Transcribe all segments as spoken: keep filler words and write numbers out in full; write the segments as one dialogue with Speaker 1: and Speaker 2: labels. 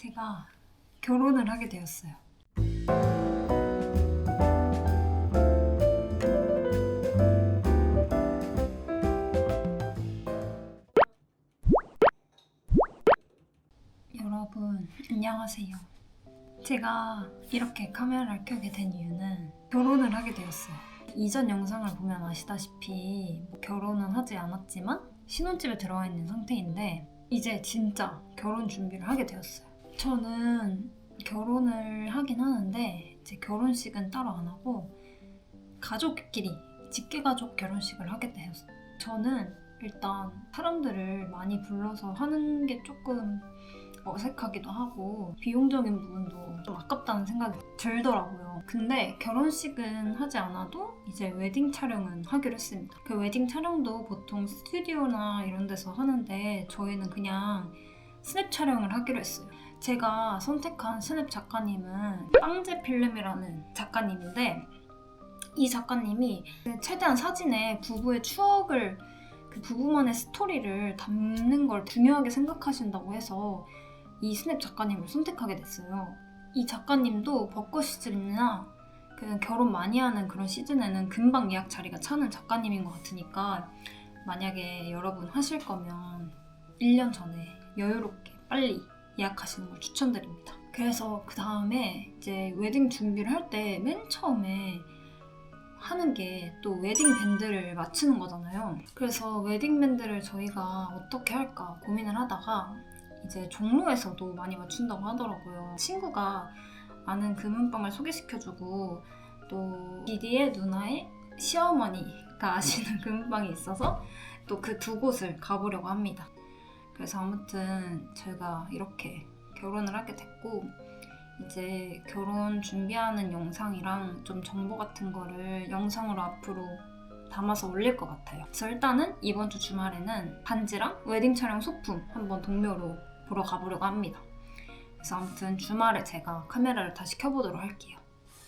Speaker 1: 제가 결혼을 하게 되었어요. 여러분 안녕하세요. 제가 이렇게 카메라를 켜게 된 이유는 결혼을 하게 되었어요. 이전 영상을 보면 아시다시피 뭐 결혼은 하지 않았지만 신혼집에 들어와 있는 상태인데 이제 진짜 결혼 준비를 하게 되었어요. 저는 결혼을 하긴 하는데 제 결혼식은 따로 안 하고 가족끼리 직계가족 결혼식을 하게 되었어요. 저는 일단 사람들을 많이 불러서 하는 게 조금 어색하기도 하고 비용적인 부분도 좀 아깝다는 생각이 들더라고요. 근데 결혼식은 하지 않아도 이제 웨딩 촬영은 하기로 했습니다. 그 웨딩 촬영도 보통 스튜디오나 이런 데서 하는데 저희는 그냥 스냅 촬영을 하기로 했어요. 제가 선택한 스냅 작가님은 빵제필름이라는 작가님인데 이 작가님이 최대한 사진에 부부의 추억을 그 부부만의 스토리를 담는 걸 중요하게 생각하신다고 해서 이 스냅 작가님을 선택하게 됐어요. 이 작가님도 벚꽃 시즌이나 그 결혼 많이 하는 그런 시즌에는 금방 예약 자리가 차는 작가님인 것 같으니까 만약에 여러분 하실 거면 일 년 전에 여유롭게 빨리 예약하시는 걸 추천드립니다. 그래서 그 다음에 이제 웨딩 준비를 할 때 맨 처음에 하는 게 또 웨딩 밴드를 맞추는 거잖아요. 그래서 웨딩 밴드를 저희가 어떻게 할까 고민을 하다가 이제 종로에서도 많이 맞춘다고 하더라고요. 친구가 아는 금은방을 소개시켜주고 또 디디의 누나의 시어머니가 아시는 금은방이 있어서 또 그 두 곳을 가보려고 합니다. 그래서 아무튼 제가 이렇게 결혼을 하게 됐고 이제 결혼 준비하는 영상이랑 좀 정보 같은 거를 영상으로 앞으로 담아서 올릴 것 같아요. 그래서 일단은 이번 주 주말에는 반지랑 웨딩 촬영 소품 한번 동묘로 보러 가보려고 합니다. 그래서 아무튼 주말에 제가 카메라를 다시 켜보도록 할게요.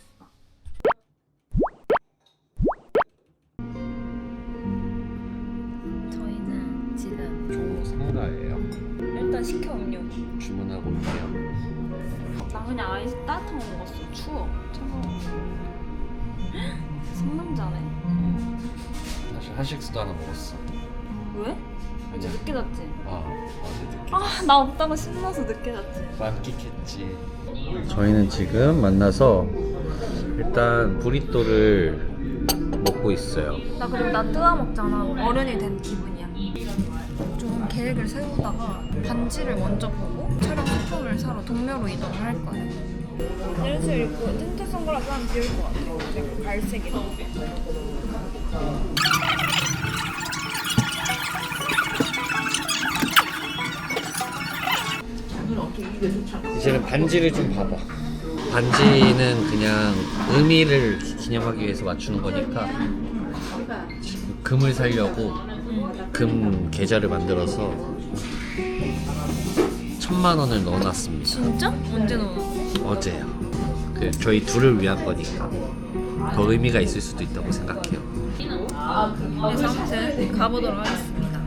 Speaker 1: 저희는 지금
Speaker 2: 종로 상가예요.
Speaker 1: 일단 시켜 음료.
Speaker 2: 주문하고 있네요.
Speaker 1: 나 그냥 아이스 따뜻한 거 먹었어. 추워. 차가워. 상남자네.
Speaker 2: 사실 한식스도 하나 먹었어.
Speaker 1: 왜? 어제 늦게 잤지?
Speaker 2: 아, 어제 늦게.
Speaker 1: 아, 나 없다고 신나서 늦게 잤지.
Speaker 2: 만끽했지. 저희는 지금 만나서 일단 브리또를 먹고 있어요.
Speaker 1: 나 그리고 나 뜨아 먹잖아. 어른이 된 기분이야. 좀 계획을 세우다가 반지를 먼저 보고 촬영 소품을 사러 동묘로 이동을 할 거예요. 내일을 입고 텐트 선글라스 하면 비올 것 같아요. 약간 갈색이라.
Speaker 2: 이제는 반지를 좀 봐봐. 반지는 그냥 의미를 기념하기 위해서 맞추는 거니까 금을 살려고 금 계좌를 만들어서 천만 원을 넣어놨습니다.
Speaker 1: 진짜? 언제 넣었어?
Speaker 2: 어제요. 그 저희 둘을 위한 거니까 더 의미가 있을 수도 있다고 생각해요.
Speaker 1: 그래서 아무튼 가보도록 하겠습니다.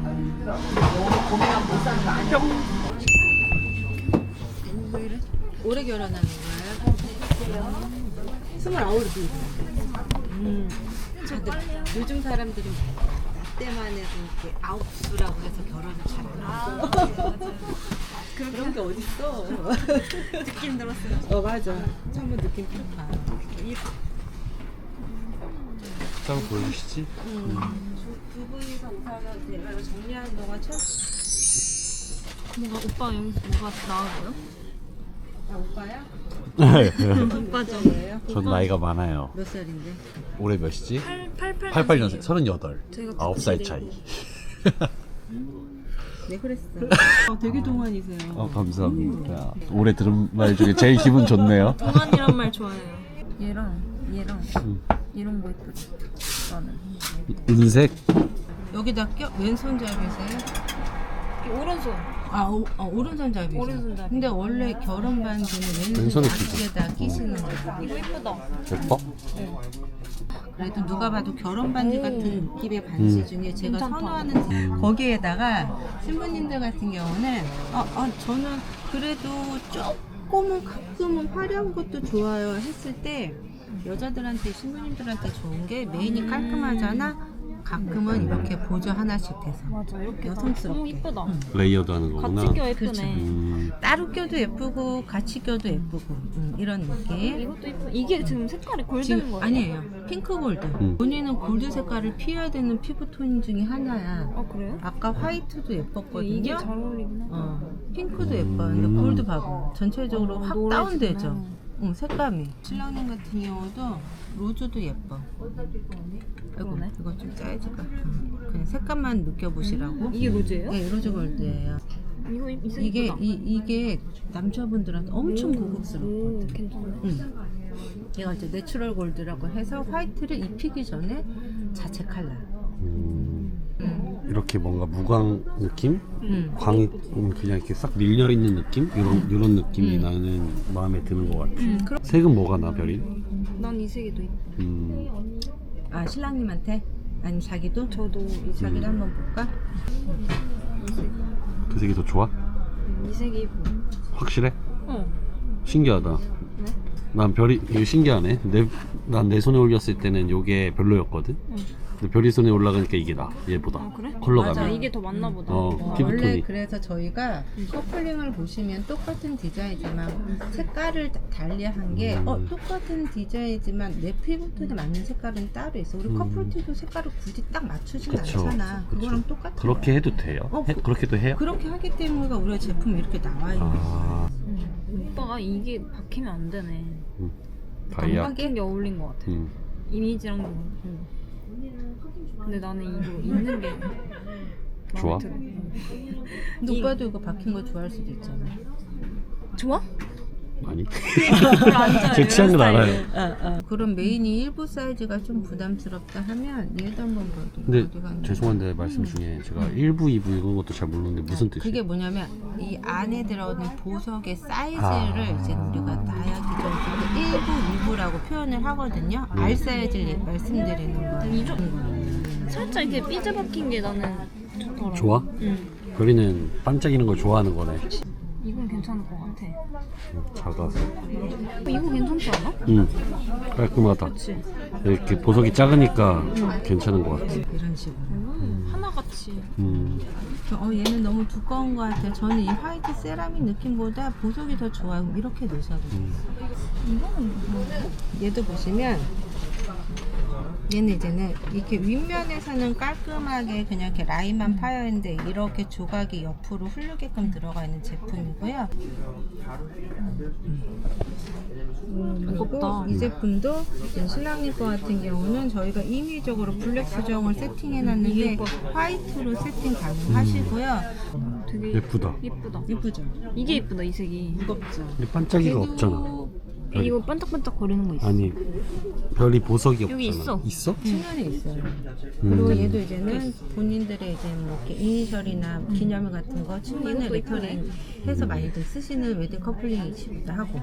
Speaker 3: 올해 결혼하는 거예요? 스물아홉이. 음. 다들 요즘 사람들은 나 때만 해도 이렇게 아홉 수라고 해서 결혼을 잘하고. 그런 게 어딨어.
Speaker 1: 느낌 들었어요.
Speaker 3: 어 맞아. 처음 느낌 좋다.
Speaker 2: 짠 보여주시지?
Speaker 3: 음. 두 분이서 우선은 대화를 정리하는 동안 첫.
Speaker 1: 뭔가 오빠 여기서 뭐가 나와 보여?
Speaker 3: 아 오빠야?
Speaker 1: 오빠죠.
Speaker 3: 뭐예요?
Speaker 2: 전 나이가 많아요.
Speaker 3: 몇 살인데?
Speaker 2: 올해 몇이지?
Speaker 1: 팔팔
Speaker 2: 팔십팔 년생, 서른여덟.
Speaker 1: 저희가
Speaker 2: 아홉 살 차이.
Speaker 3: 네 그랬어. 어, 되게 동안이세요.
Speaker 2: 어, 감사합니다. 올해 들은 말 중에 제일 기분 좋네요.
Speaker 1: 동안이란 말 좋아해요. 얘랑 얘랑
Speaker 2: 음.
Speaker 1: 이런 거 예쁘지? 나는
Speaker 2: 은색?
Speaker 3: 여기다 껴 왼손잡이세요?
Speaker 1: 오른손.
Speaker 3: 아, 오, 어, 오른손잡이죠.
Speaker 1: 오른손잡이.
Speaker 3: 근데 원래 결혼 반지는
Speaker 2: 왼손에
Speaker 3: 왼손
Speaker 2: 끼죠.
Speaker 3: 앞쪽에다 끼시는 거예요.
Speaker 1: 이거 예쁘다.
Speaker 2: 예뻐?
Speaker 3: 그래도 누가 봐도 결혼 반지 같은 느낌의 반지
Speaker 2: 음.
Speaker 3: 중에 제가
Speaker 1: 괜찮다.
Speaker 3: 선호하는 거기에다가 신부님들 같은 경우는 어, 어, 저는 그래도 조금은 가끔은 화려한 것도 좋아요 했을 때 여자들한테 신부님들한테 좋은 게 메인이 깔끔하잖아. 가끔은 이렇게 보조 하나씩 돼서
Speaker 1: 맞아, 이렇게
Speaker 3: 여성스럽게.
Speaker 1: 너무 이쁘다.
Speaker 3: 응.
Speaker 4: 레이어드 하는 거구나.
Speaker 1: 같이 껴 예쁘네.
Speaker 4: 음,
Speaker 3: 따로 껴도 예쁘고 같이 껴도 예쁘고 음, 이런 느낌.
Speaker 1: 이것도 이쁘. 이게 지금 색깔이 골드인
Speaker 3: 지금
Speaker 1: 거예요?
Speaker 3: 아니에요. 핑크 골드.
Speaker 4: 음.
Speaker 3: 본인은 골드 색깔을 피해야 되는 피부톤 중에 하나야.
Speaker 1: 아 그래요?
Speaker 3: 아까 화이트도 예뻤거든요.
Speaker 1: 이게 잘 어울리긴 하다.
Speaker 3: 어, 핑크도 예뻐요. 근데
Speaker 4: 음.
Speaker 3: 골드 봐봐. 전체적으로
Speaker 1: 어,
Speaker 3: 확
Speaker 1: 노래지구나.
Speaker 3: 다운되죠. 응, 색감이. 신랑님 같은 경우도 로즈도 예뻐. 아이고,
Speaker 1: 그러네.
Speaker 3: 이거 좀 사이즈가. 응. 그냥 색감만 느껴보시라고.
Speaker 1: 이게 로즈예요?
Speaker 3: 네, 로즈 골드예요.
Speaker 1: 이거 이 색
Speaker 3: 이게
Speaker 1: 이쁘다.
Speaker 3: 이, 이게 남자분들한테 엄청
Speaker 1: 오,
Speaker 3: 고급스럽거든.
Speaker 1: 괜찮네.
Speaker 3: 응. 얘가 이제 내추럴 골드라고 해서 화이트를 입히기 전에 자체 컬러.
Speaker 4: 음,
Speaker 3: 응.
Speaker 4: 이렇게 뭔가 무광 느낌?
Speaker 3: 응.
Speaker 4: 광이 음, 그냥 이렇게 싹 밀려 있는 느낌? 이런 이런 느낌이
Speaker 3: 음.
Speaker 4: 나는 마음에 드는 것 같아.
Speaker 3: 응. 그럼
Speaker 4: 색은 뭐가 나 별이?
Speaker 1: 난 이 색이 더 이뻐.
Speaker 4: 음,
Speaker 3: 아 신랑님한테 아니면 자기도
Speaker 1: 저도 이 색.
Speaker 3: 자기도
Speaker 4: 음.
Speaker 3: 한번 볼까?
Speaker 1: 이 색.
Speaker 4: 그 색이 더 좋아?
Speaker 1: 이 색이 이뻐.
Speaker 4: 확실해?
Speaker 1: 어.
Speaker 4: 신기하다.
Speaker 1: 왜?
Speaker 4: 난 별이 이거 신기하네. 내 난 내 손에 올렸을 때는 이게 별로였거든.
Speaker 1: 응.
Speaker 4: 근데 별이 손에 올라가니까 이게 나. 얘보다.
Speaker 1: 아 그래?
Speaker 4: 컬러감이.
Speaker 3: 맞아.
Speaker 1: 이게 더 맞나 보다.
Speaker 4: 어,
Speaker 3: 어,
Speaker 4: 피부톤이.
Speaker 3: 원래 그래서 저희가 커플링을 보시면 똑같은 디자인이지만 색깔을 다- 달리한 게
Speaker 4: 음.
Speaker 3: 어, 똑같은 디자인이지만 내 피부톤에 맞는 색깔은 따로 있어. 우리
Speaker 4: 음.
Speaker 3: 커플티도 색깔을 굳이 딱 맞추진
Speaker 4: 그쵸,
Speaker 3: 않잖아.
Speaker 4: 그쵸.
Speaker 3: 그거랑 똑같은
Speaker 4: 그렇게
Speaker 3: 거야.
Speaker 4: 해도 돼요?
Speaker 3: 어,
Speaker 4: 해-
Speaker 3: 그-
Speaker 4: 그렇게도 해요?
Speaker 3: 그렇게 하기 때문에 우리가 제품이 이렇게 나와 있는 거야.
Speaker 4: 아,
Speaker 1: 오빠가 이게 박히면 안 되네.
Speaker 4: 음.
Speaker 1: 안
Speaker 4: 다이아.
Speaker 1: 박힌 게 어울린 것 같아.
Speaker 4: 음.
Speaker 1: 이미지랑 좀. 응. 근데 나는 이거 있는 게 마음에
Speaker 4: 좋아?
Speaker 1: 들어. 응.
Speaker 3: 근데
Speaker 1: 이-
Speaker 3: 오빠도 이거 박힌 거 좋아할 수도 있잖아.
Speaker 1: 좋아?
Speaker 4: 아니.
Speaker 1: 별로 안 좋아해.
Speaker 4: 제 취향은
Speaker 1: 이런
Speaker 4: 알아요.
Speaker 1: 스타일.
Speaker 3: 어, 어. 그럼 메인이 일부 사이즈가 좀 부담스럽다 하면 얘도 한번 봐도
Speaker 4: 근데
Speaker 3: 어디 갔나?
Speaker 4: 죄송한데 말씀 중에 제가 일부, 이부 이런 것도 잘 모르는데 무슨 뜻이에요?
Speaker 3: 그게 뭐냐면 이 안에 들어있는 보석의 사이즈를
Speaker 4: 아.
Speaker 3: 이제 우리가 다이아키적으로 일부, 이부라고 표현을 하거든요. 알 사이즈를 얘- 말씀드리는 거예요.
Speaker 1: 이 정- 살짝 이렇게 삐져 박힌 게 나는 좋더라.
Speaker 4: 좋아?
Speaker 1: 응.
Speaker 4: 별이는 반짝이는 걸 좋아하는 거네.
Speaker 1: 이건 괜찮을 것 같아.
Speaker 4: 음, 작아서.
Speaker 1: 어, 이거 괜찮지 않아?
Speaker 4: 음, 깔끔하다.
Speaker 1: 그렇지.
Speaker 4: 이렇게 보석이 작으니까 괜찮은 것 같아.
Speaker 3: 이런 식으로.
Speaker 1: 음, 하나같이.
Speaker 4: 음,
Speaker 3: 어, 얘는 너무 두꺼운 것 같아요. 저는 이 화이트 세라믹 느낌보다 보석이 더 좋아요. 이렇게 놓으셔도 돼요.
Speaker 4: 음.
Speaker 1: 이거는 뭐?
Speaker 3: 얘도 보시면 얘는 이제는 이렇게 윗면에서는 깔끔하게 그냥 이렇게 라인만 파여 있는데 이렇게 조각이 옆으로 흐르게끔 들어가 있는 제품이고요.
Speaker 1: 무겁다.
Speaker 3: 그리고 이 제품도 지금 신랑님 거 같은 경우는 저희가 임의적으로 블랙 수정을 세팅해 놨는데 화이트로 세팅 가능하시고요.
Speaker 1: 되게
Speaker 4: 예쁘다.
Speaker 1: 예쁘다.
Speaker 3: 예쁘죠?
Speaker 1: 이게 예쁘다 이 색이.
Speaker 3: 무겁죠?
Speaker 4: 근데 반짝이가 없잖아. 별이.
Speaker 1: 이거 반짝반짝 거리는 거 있어.
Speaker 4: 아니, 별이 보석이 없잖아.
Speaker 1: 여기 있어.
Speaker 4: 있어?
Speaker 3: 측면에 있어요.
Speaker 4: 음.
Speaker 3: 그리고 얘도 이제는 본인들의 이제 뭐 이렇게 이니셜이나 기념일 같은 거 측면에
Speaker 1: 이것도
Speaker 3: 레터링 해서 많이들 쓰시는 웨딩 커플링이시기도 하고.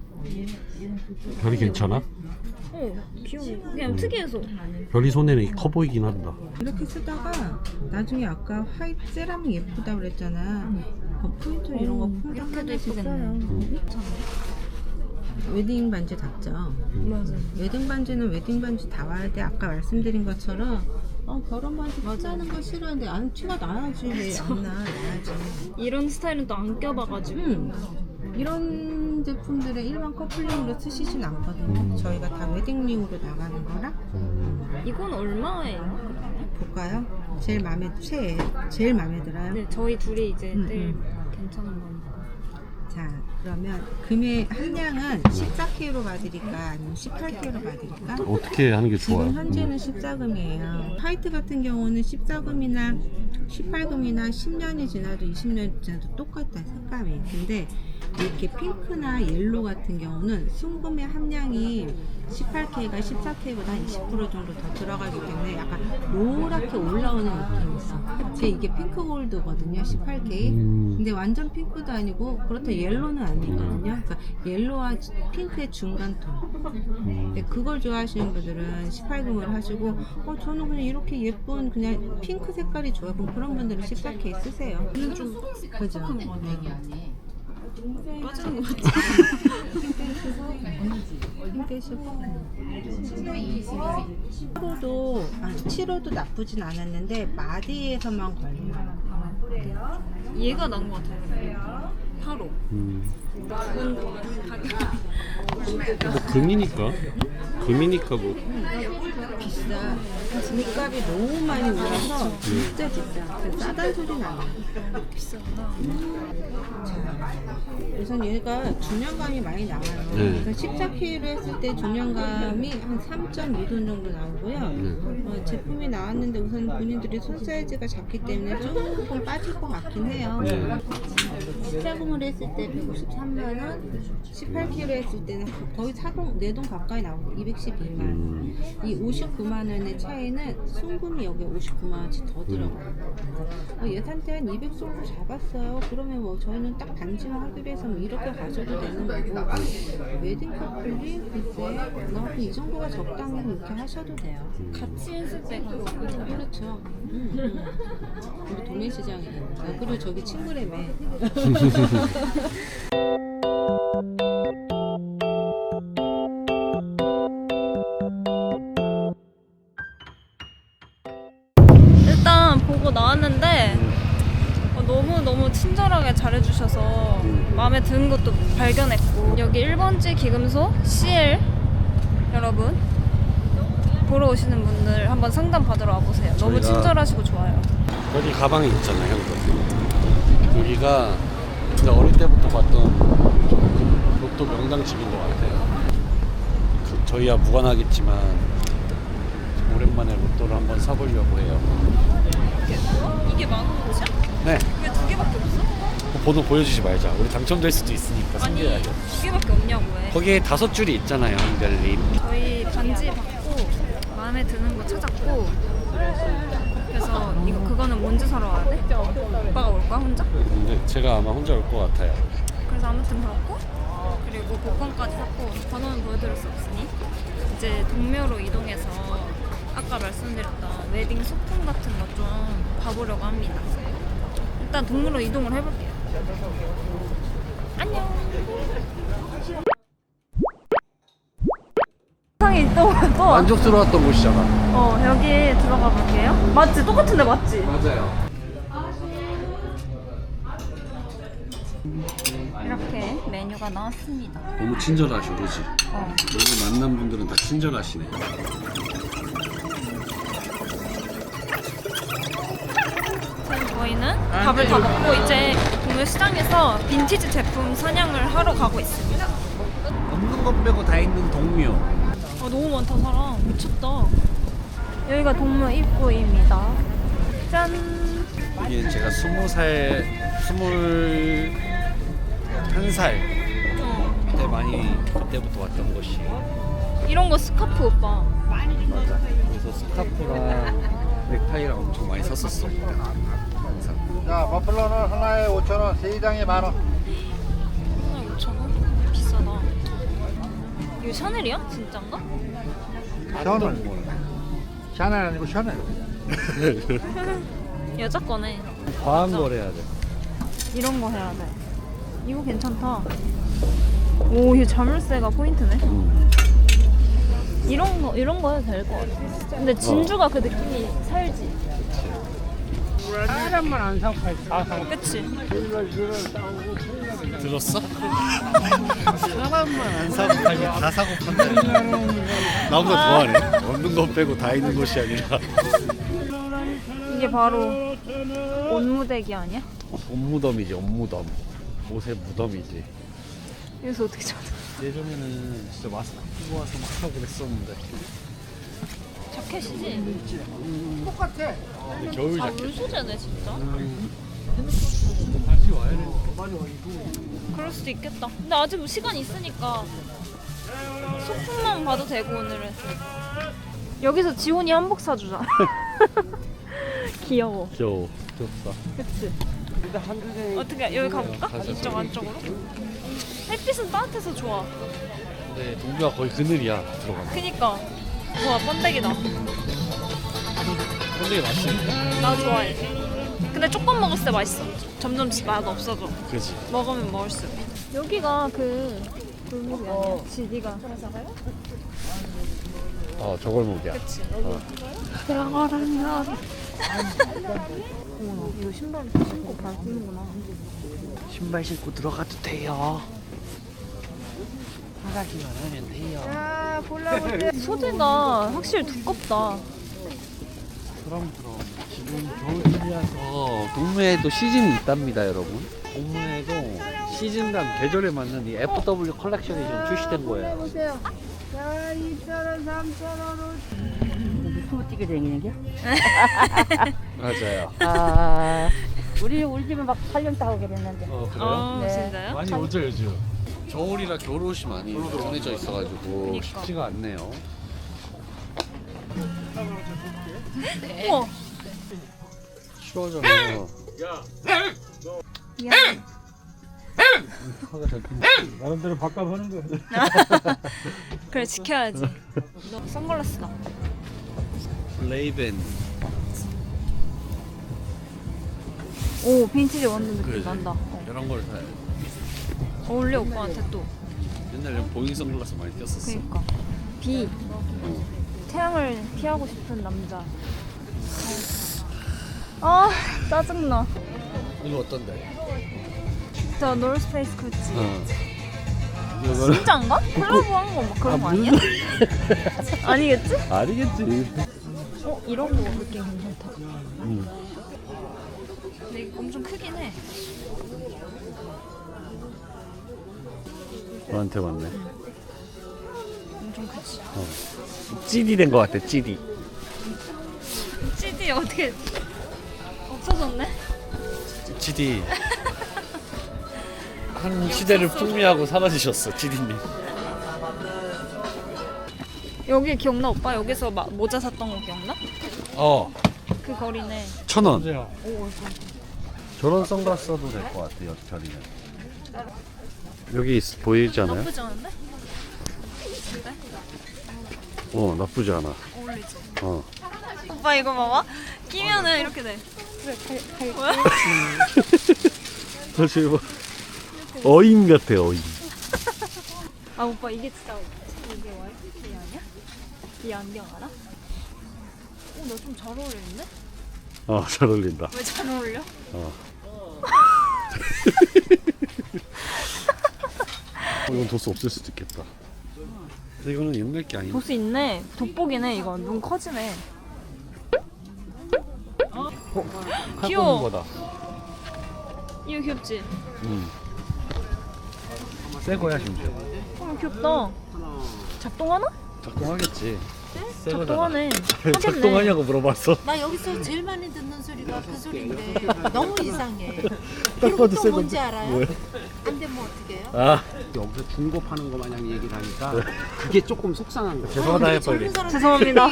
Speaker 4: 별이 괜찮아?
Speaker 1: 어 귀여워. 그냥 특이해서.
Speaker 4: 별이 손에는 커 보이긴 한다.
Speaker 3: 이렇게 쓰다가 나중에 아까 화이트 세라믹 예쁘다 그랬잖아. 그 포인트 이런 거 풍경
Speaker 1: 이렇게도
Speaker 3: 하나씩
Speaker 1: 예쁘겠네.
Speaker 3: 써요. 웨딩 반지 닿죠.
Speaker 1: 맞아.
Speaker 3: 웨딩 반지는 웨딩 반지 다 와야 돼. 아까 말씀드린 것처럼 어, 결혼 반지
Speaker 1: 맞아.
Speaker 3: 티나는 거 싫어하는데 안 티가 나야지. 왜 안 나? 나야지.
Speaker 1: 이런 스타일은 또 안 껴봐가지고.
Speaker 3: 음, 이런 제품들은 일반 커플링으로 쓰시진 않거든요.
Speaker 4: 음.
Speaker 3: 저희가 다 웨딩링으로 나가는 거라.
Speaker 4: 음.
Speaker 1: 이건 얼마예요?
Speaker 3: 볼까요? 제일 마음에 최애 제일 마음에 들어요.
Speaker 1: 네, 저희 둘이 이제
Speaker 3: 음,
Speaker 1: 제일
Speaker 3: 음.
Speaker 1: 괜찮은 거니까.
Speaker 3: 자, 그러면 금액 한량은 십사 케이로 받으릴까 아니면 십팔 케이로 받으릴까?
Speaker 4: 어떻게 하는 게 좋아요?
Speaker 3: 지금 현재는 십사 금이에요. 화이트 같은 경우는 십사 금이나 십팔 금이나 십 년이 지나도 이십 년이 지나도 똑같다 색감이. 근데 이렇게 핑크나 옐로 같은 경우는 순금의 함량이 십팔 케이가 십사 케이보다 한 이십 퍼센트 정도 더 들어가기 때문에 약간 노랗게 올라오는 느낌이 있어. 제 이게 핑크 골드거든요, 십팔 케이.
Speaker 4: 음.
Speaker 3: 근데 완전 핑크도 아니고 그렇다 옐로는 아니거든요. 그러니까 옐로와 핑크의 중간 톤.
Speaker 4: 음.
Speaker 3: 근데 그걸 좋아하시는 분들은 십팔 금을 하시고 어 저는 그냥 이렇게 예쁜 그냥 핑크 색깔이 좋아요. 그럼 그런 분들은 십사 케이 쓰세요.
Speaker 1: 이건 좀
Speaker 3: 그죠?
Speaker 1: 뻑뻑한 거 같아요.
Speaker 3: 빠지는 것 같아. 힘 빼시고. 칠호도 아, 칠호도 나쁘진 않았는데 마디에서만 걸려요.
Speaker 1: 얘가 나은 것 같아요. 팔호.
Speaker 4: 음.
Speaker 1: 가격.
Speaker 4: 뭐 금이니까. 금이니까 뭐.
Speaker 3: 비싸. 집값이 너무 많이 올라서 진짜 비싸. 그래서 싸다는 소리는 안 나요.
Speaker 1: 비싸구나.
Speaker 3: 우선 얘가 중량감이 많이 나와요.
Speaker 4: 네.
Speaker 3: 그래서 십사 킬로 했을 때 중량감이 한 삼 점 이 돈 정도 나오고요.
Speaker 4: 네.
Speaker 3: 어, 제품이 나왔는데 우선 본인들이 손 사이즈가 작기 때문에 조금 빠질 것 같긴 해요.
Speaker 4: 네.
Speaker 3: 십사금을 했을 때 백오십삼만 원, 십팔 킬로 했을 때는 거의 사동, 네 돈 가까이 나오고 이백십이만 원.
Speaker 4: 음.
Speaker 3: 이 오십구만 원의 차이는 순금이 여기 오십구만 원치 더 들어가요. 어, 예산대 한 이백 정도 잡았어요. 그러면 뭐 저희는 딱 반지만 하기로 해서 뭐 이렇게 가셔도 되는 거고, 웨딩 커플이 글쎄 나이 정도가 적당히 이렇게 하셔도 돼요.
Speaker 1: 같이 했을 때
Speaker 3: 그렇죠. 음, 음. 우리 도매시장이니까. 그리고 저기 친구래매.
Speaker 1: 일단 보고 나왔는데 어, 너무너무 친절하게 잘해주셔서 마음에 드는 것도 발견했고, 여기 일 번지 기금소 씨엘 여러분 보러 오시는 분들 한번 상담 받으러 와보세요. 너무
Speaker 4: 저희가-
Speaker 1: 친절하시고 좋아요.
Speaker 4: 여기 가방이 있잖아요, 형도. 여기가 진짜 어릴 때부터 봤던 그 로또 명당집인 것 같아요. 그 저희야 무관하겠지만 오랜만에 로또를 한번 사보려고 해요.
Speaker 1: 이게 만 원이야?
Speaker 4: 네.
Speaker 1: 왜 두 개밖에 없어?
Speaker 4: 그 번호 보여주지 말자. 우리 당첨될 수도 있으니까
Speaker 1: 아니
Speaker 4: 숨겨야죠.
Speaker 1: 두 개밖에 없냐고 왜?
Speaker 4: 거기에 다섯 줄이 있잖아요, 한별님.
Speaker 1: 저희 반지 받고 마음에 드는 거 찾았고, 그래서 이거 그거는 뭔지 사러 와야 돼? 오빠가 올 거야 혼자?
Speaker 4: 근데 제가 아마 혼자 올 것 같아요.
Speaker 1: 그래서 아무튼 그렇고, 그리고 복권까지 샀고, 번호는 보여드릴 수 없으니 이제 동묘로 이동해서 아까 말씀드렸던 웨딩 소품 같은 거 좀 봐보려고 합니다. 일단 동묘로 이동을 해볼게요. 안녕. 상이 또 또.
Speaker 4: 만족스러웠던 곳이잖아.
Speaker 1: 어 여기 들어가 볼게요. 맞지? 똑같은데 맞지?
Speaker 4: 맞아요.
Speaker 1: 이렇게 메뉴가 나왔습니다.
Speaker 4: 너무 친절하셔, 그렇지?
Speaker 1: 어.
Speaker 4: 오늘 만난 분들은 다 친절하시네.
Speaker 1: 지금 저희는 밥을 다 먹고 이제 동묘 시장에서 빈티지 제품 사냥을 하러 가고 있습니다.
Speaker 2: 없는 것 빼고 다 있는 동묘.
Speaker 1: 아 너무 많다 사람. 미쳤다. 여기가 동묘 입구입니다. 짠.
Speaker 2: 여기는 제가 스무 살, 스물 한 살
Speaker 1: 어.
Speaker 2: 때 많이 그때부터 왔던 곳이.
Speaker 1: 이런 거 스카프 오빠.
Speaker 2: 맞아. 그래서 스카프랑 넥타이랑 엄청 많이 샀었어. 항상.
Speaker 5: 자, 버플러는 하나에 오천 원, 세 장에 만 원.
Speaker 1: 하나에 오천 원? 비싸다. 이거 샤넬이야? 진짠가?
Speaker 5: 샤넬. 샤넬 아니고 샤넬.
Speaker 1: 여자 거네.
Speaker 2: 과한 걸 해야 돼.
Speaker 1: 이런 거 해야 돼. 이거 괜찮다. 오, 이 자물쇠가 포인트네. 이런 거 이런 거 해도 될 것 같아. 근데 진주가 그 느낌이 살지.
Speaker 5: 사람만 안 사고 다 사고.
Speaker 1: 그치?
Speaker 2: 들었어? 사람만 안 사고 팔고 다 사고 판다. 나보다 더하네. 없는 것 빼고 다 있는 곳이 아니라.
Speaker 1: 이게 바로 옷무대기 아니야?
Speaker 2: 옷무덤이지, 옷무덤. 옷의 무덤이지.
Speaker 1: 여기서 어떻게 찾아?
Speaker 2: 예전에는 진짜 마스크 끼고 와서 막 하고 그랬었는데.
Speaker 1: 자켓이지?
Speaker 2: 근데 겨울
Speaker 1: 아,
Speaker 2: 자켓.
Speaker 1: 물소재네 진짜.
Speaker 2: 다시 와야 돼.
Speaker 1: 그럴 수도 있겠다. 근데 아직 뭐 시간 있으니까 소품만 봐도 되고 오늘은. 여기서 지훈이 한복 사주자. 귀여워.
Speaker 2: 귀여워. 귀엽다.
Speaker 1: 그치? 어떻게 여기 가볼까?
Speaker 2: 가자.
Speaker 1: 이쪽 안쪽으로? 햇빛은 따뜻해서 좋아.
Speaker 2: 근데 동료가 거의 그늘이야, 들어가면.
Speaker 1: 그니까 좋아, 번데기다.
Speaker 2: 근데 맛있는데?
Speaker 1: 나 좋아해. 근데 조금 먹었을 때 맛있어. 점점 맛 없어져.
Speaker 4: 그지.
Speaker 1: 먹으면 먹을수록. 여기가 그 골목이 아니야? 지디가.
Speaker 4: 어 저골목이야.
Speaker 1: 그치. 들어가라면. 어머나, 이거 신발 신고 밟는구나.
Speaker 2: 신발 신고 들어가도 돼요. 하가기만 하면 돼요.
Speaker 1: 소재가 확실히 두껍다.
Speaker 4: 그럼 그럼 지금 겨울이라서 동묘에도 시즌이 있답니다, 여러분. 동묘에도 시즌당 계절에 맞는 이 에프더블유 컬렉션이 지금 출시된 거예요.
Speaker 6: 보세요. 야, 이천 원, 삼천 원으로. 유튜브 뛰게 되는 게?
Speaker 4: 맞아요.
Speaker 6: 아, 우리 우리 집은 막 팔 년 따고 그랬는데.
Speaker 4: 어 그래요?
Speaker 1: 어,
Speaker 6: 네.
Speaker 1: 진짜요?
Speaker 4: 많이 오죠 요즘. 겨울이라 겨울옷이 많이 정해져 있어가지고
Speaker 1: 그니까.
Speaker 4: 쉽지가 않네요.
Speaker 1: 우와.
Speaker 4: 추워져서
Speaker 1: 미안.
Speaker 4: 화가 잘 핀다.
Speaker 5: 나름대로 바꿔보는 거야.
Speaker 1: 그래, 지켜야지. 너 선글라스다.
Speaker 4: 레이벤.
Speaker 1: 오, 빈티지 완전 느낌
Speaker 4: 그래.
Speaker 1: 난다. 어.
Speaker 4: 이런 걸 사야 돼.
Speaker 1: 어울려, 오빠한테 또.
Speaker 4: 옛날에 보잉 선글라스 많이 꼈었어.
Speaker 1: 그니까. 비. 태양을 피하고 싶은 남자. 아, 짜증나.
Speaker 4: 이거 어떤데?
Speaker 1: 저 노스페이스 구찌.
Speaker 4: 어. 이거는
Speaker 1: 진짜인가? 콜라보한 거 막 그런 거 아니야? 아니겠지?
Speaker 4: 아니겠지.
Speaker 1: 어, 이런 거 느낌 괜찮다.
Speaker 4: 음.
Speaker 1: 근데 이거 엄청 크긴 해.
Speaker 4: 너한테 맞네.
Speaker 1: 엄청 크지.
Speaker 4: 찌디 된 거 같아. 찌디.
Speaker 1: 씨디 어떻게 없어졌네?
Speaker 4: 찌디. 한 시대를 풍미하고 사라지셨어, 찌디님.
Speaker 1: 여기 기억나 오빠? 여기서 마, 모자 샀던 거 기억나?
Speaker 4: 어.
Speaker 1: 그 거리네.
Speaker 4: 천 원.
Speaker 5: 맞아요.
Speaker 4: 저런 선글라스 써도 될 것 같아, 여철이는. 여기 있, 보이지 않아요?
Speaker 1: 나쁘지 않은데? 근데?
Speaker 4: 어, 나쁘지 않아.
Speaker 1: 어울리지?
Speaker 4: 어.
Speaker 1: 오빠 이거 봐봐. 끼면은 이렇게 돼. 그래, 뭐야?
Speaker 4: 사실 뭐 어인 같아, 어인.
Speaker 1: 아 오빠 이게 진짜 이게 와이프티 아니야? 이 안경 알아? 어, 나 좀 잘 어울리는데?
Speaker 4: 어, 잘 어울린다.
Speaker 1: 왜 잘 어울려?
Speaker 4: 어. 어, 이건 도수 없을 수도 있겠다. 근데 이거는 옛날 게 아니야.
Speaker 1: 도수 있네. 돋보기네 이거. 눈 커지네. 귀여워.
Speaker 4: 거다.
Speaker 1: 이거 귀엽지?
Speaker 4: 응. 새 거야 심지어.
Speaker 1: 어 귀엽다. 작동하나?
Speaker 4: 작동하겠지. 새 거잖아.
Speaker 1: 작동하네.
Speaker 4: 왜 작동하냐고 물어봤어.
Speaker 7: 나 여기서 제일 많이 듣는 소리가 그 소리인데 너무 이상해.
Speaker 4: 딱
Speaker 7: 그리고
Speaker 4: 봐도
Speaker 7: 또
Speaker 4: 새
Speaker 7: 뭔지
Speaker 4: 건데.
Speaker 7: 알아요?
Speaker 4: 뭐야?
Speaker 7: 안 되면 어떻게 해요?
Speaker 4: 아,
Speaker 8: 여기서 중고 파는 거 마냥 얘기를 하니까 그게 조금 속상한 거야.
Speaker 4: 죄송하다 해 빨리.
Speaker 1: 죄송합니다.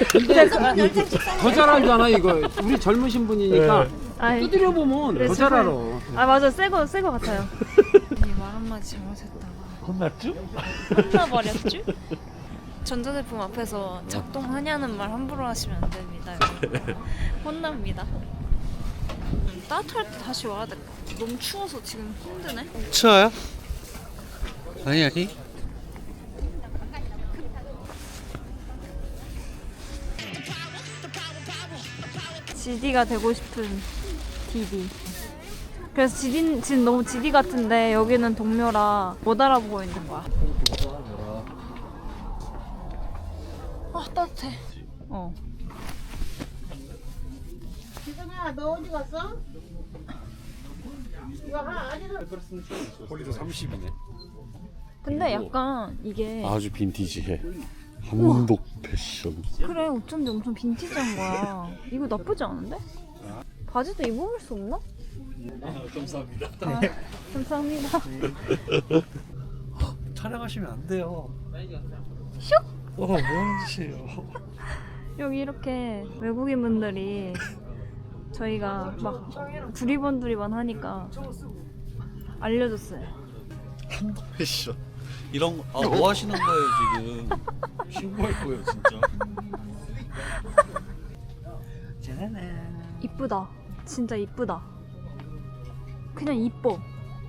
Speaker 8: 더 잘 알잖아 이거. 우리 젊으신 분이니까
Speaker 1: 아이,
Speaker 8: 두드려 보면
Speaker 1: 그래,
Speaker 8: 더 잘 알아.
Speaker 1: 아 맞아 새거 새거 같아요. 이 말 한마디 잘못했다가
Speaker 4: 혼났죠?
Speaker 1: 혼나버렸죠? 전자제품 앞에서 작동하냐는 말 함부로 하시면 안 됩니다. 여러분. 혼납니다. 음, 따뜻할 때 다시 와야 될 것 같아. 너무 추워서 지금 힘드네.
Speaker 4: 추워요? 아니 아니.
Speaker 1: 지디가 되고 싶은 디디. 그래서 지디, 지금 너무 지디 같은데 여기는 동묘라 못 알아보고 있는 거야. 아 따뜻해. 어.
Speaker 7: 지성아 너 어디 갔어? 이거 하나 아직은
Speaker 4: 폴리도 삼십이네.
Speaker 1: 근데 약간 이게
Speaker 4: 아주 빈티지해. 한복 패션.
Speaker 1: 그래 어쩐지 엄청 빈티지한 거야. 이거 나쁘지 않은데? 바지도 입어볼 수 없나?
Speaker 4: 감사합니다.
Speaker 1: 아, 감사합니다.
Speaker 4: 촬영하시면 안 돼요.
Speaker 1: 슉!
Speaker 4: 어, 뭐 하는 짓이에요?
Speaker 1: 여기 이렇게 외국인 분들이 저희가 막 두리번 두리번 하니까 알려줬어요.
Speaker 4: 한복 패션. 이런 거, 아, 뭐 하시는 거예요 지금? 신고할 거예요 진짜.
Speaker 1: 이쁘다. 진짜 이쁘다. 그냥 이뻐.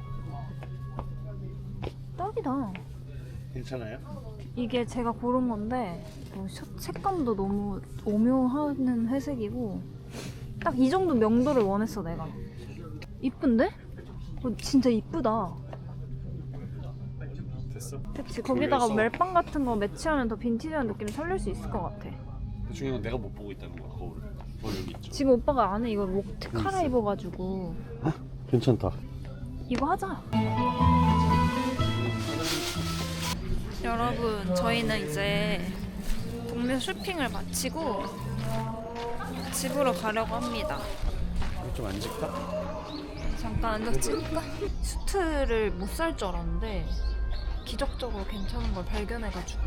Speaker 1: 딱이다.
Speaker 4: 괜찮아요?
Speaker 1: 이게 제가 고른 건데 뭐 셔- 색감도 너무 오묘하는 회색이고 딱 이 정도 명도를 원했어 내가. 이쁜데? 어, 진짜 이쁘다.
Speaker 4: 됐어?
Speaker 1: 그치, 거기다가 멜빵 같은 거 매치하면 더 빈티지한 느낌 살릴 수 있을 것 같아.
Speaker 4: 중요한 건 내가 못 보고 있다는 거야 거울을. 거울 여기 있죠.
Speaker 1: 지금 오빠가 안에 이거 목 갈아 입어가지고
Speaker 4: 괜찮다.
Speaker 1: 이거 하자. 여러분, 저희는 이제 동네 쇼핑을 마치고 집으로 가려고 합니다.
Speaker 4: 좀 앉을까?
Speaker 1: 잠깐 앉아 찍을까? 수트를 못 살 줄 알았는데 기적적으로 괜찮은 걸 발견해가지고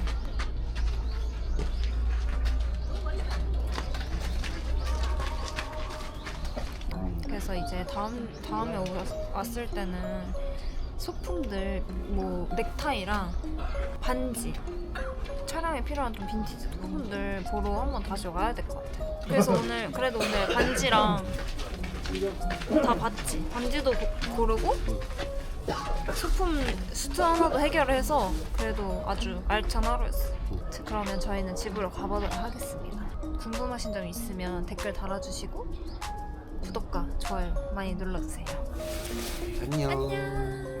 Speaker 1: 그래서 이제 다음, 다음에 오- 왔을 때는 소품들 뭐 넥타이랑 반지 촬영에 필요한 좀 빈티지 소품들 보러 한번 다시 와야 될 것 같아. 그래서 오늘 그래도 오늘 반지랑 다 봤지. 반지도 고, 고르고 소품 수트 하나도 해결해서 그래도 아주 알찬 하루였어. 그러면 저희는 집으로 가보도록 하겠습니다. 궁금하신 점 있으면 댓글 달아주시고 구독과 좋아요 많이 눌러주세요.
Speaker 4: 안녕.
Speaker 1: 안녕.